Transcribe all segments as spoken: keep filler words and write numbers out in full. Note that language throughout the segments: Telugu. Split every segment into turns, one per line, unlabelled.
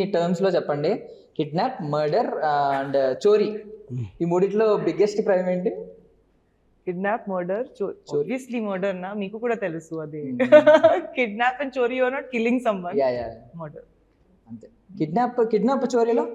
టర్మ్స్ లో చెప్పండి. కిడ్నాప్, మర్డర్ అండ్ చోరీ, ఈ మూడిట్లో బిగ్గెస్ట్ క్రైమ్ ఏంటి?
కిడ్నాప్, మర్డర్, obviously మర్డర్ నా, మీకు కూడా తెలుసు అది. కిడ్నాప్ అండ్ చోరీ, you are not killing someone.
Yeah yeah
murder
అంతే. కిడ్నాప్ కిడ్నాప్ చోరీలో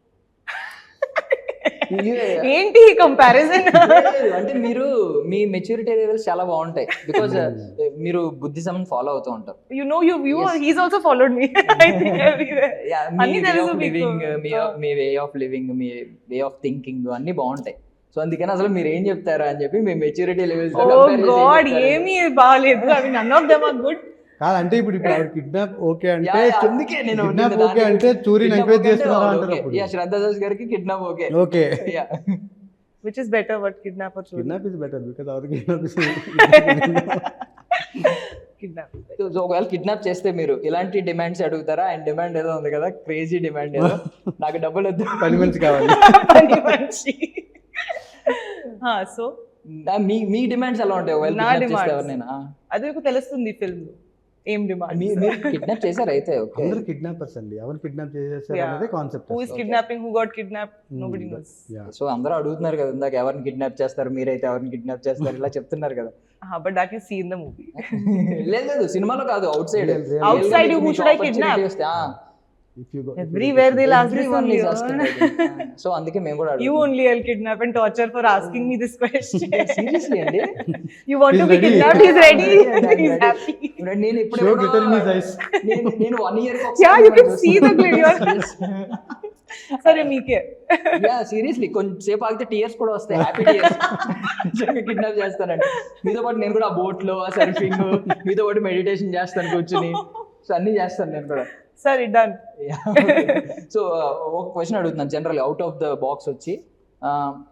ఏంటి కంపారిజన్?
అంటే మీరు మీ మెచ్యూరిటీ లెవెల్స్ చాలా బాగుంటాయి, బికాజ్ మీరు బుద్ధిజం ఫాలో అవుతూ ఉంటారు.
You know, you you
Yes.
he's also followed me. I think everywhere.
Yeah,
అన్ని
మీ వే
తెలుసు
ఆఫ్
మీకు.
లివింగ్, మీ మీ వే ఆఫ్ లివింగ్, మీ వే ఆఫ్ థింకింగ్ అన్ని బాగుంటాయి. సో అందుకని అసలు మీరు ఏం చెప్తారా అని చెప్పి మీ మెచ్యూరిటీ లెవెల్స్
Oh God, ఏమీ బాగాలేదు. I mean, none of them are good.
కాదంటే ఇప్పుడు ఇప్పుడు ఆవిడ కిడ్నాప్ ఓకే అంటే
అందుకే నేను
కిడ్నాప్
నిన్న
ఓకే
దాని
అంటే
గురించి-
చూరి
kidnap
ఎంకరేజ్
okay అంటే
చేస్తున్నారా
okay.
అంటారు అప్పుడు.
Yeah, శ్రద్ధా దాస్ గారికి kidnap okay.
Okay
Yeah.
Which is better, what kidnap or చోరీ?
కిడ్నాప్ ఇస్ బెటర్ బికాజ్ ఆవిడ కిడ్నాప్
Kidnap.
సో సో ఒకవేళ కిడ్నాప్ చేస్తే మీరు ఇలాంటి డిమాండ్స్ అడుగుతారా? అండ్ డిమాండ్ ఏదో ఉంది కదా, క్రేజీ డిమాండ్ ఏదో, నాకు డబ్బులు వద్దు,
పని మంచి కావాలి.
పని మనిషి. హా, సో
ఆ, మీ మీ డిమాండ్స్ ఎలా ఉంటాయి ఒకవేళ
నా
kidnap చేస్తే
demands.
ఎవరినైనా? ఆ,
అది మీకు తెలుస్తుంది ఫిల్మ్ లో ఏం డిమాండ్.
మీ- మీరు కిడ్నాప్ చేశారు అయితే ఓకే.
అందరు కిడ్నాపర్స్ అండి, ఎవరు కిడ్నాప్ చేసేసారు
Yeah.
అనేది concept.
Who is kidnapping, who got kidnapped, nobody knows.
So అందరూ అడుగుతున్నారు కదా ఇందాక, ఎవరిని కిడ్నాప్ చేస్తారు, మీరైతే ఎవరిని కిడ్నాప్ చేస్తారు, ఇలా చెప్తున్నారు కదా.
Ah, but that you see in the movie.
లేదు లేదు సినిమాలో కాదు, outside.
Real, real.
Outside, who should I kidnap?
Everywhere
they'll ask this only.
So అందుకే మేము కూడా
You only will kidnap and torture for asking me this question.
Seriously అండి.
You want to
He's
be
ready.
kidnapped, he's ready.
I'm
He's
ready.
happy.
నేను ఇప్పుడు
Show glitter in his eyes.
నేను నేను one year
Yeah, you can see the glitter. సరే మీకే.
యా సీరియస్లీ కొంచెం సేపు ఆగితే టీయర్స్ కూడా వస్తాయి, హ్యాపీ టీయర్స్. కిడ్నాప్ చేస్తానండి మీతో పాటు, నేను కూడా ఆ బోట్ లో ఆ సర్ఫింగ్, మీతో పాటు మెడిటేషన్ చేస్తాను కూర్చుని, సో అన్ని చేస్తాను నేను కూడా.
సరే డన్.
సో ఒక క్వశ్చన్ అడుగుతున్నాను general out of the box వచ్చి,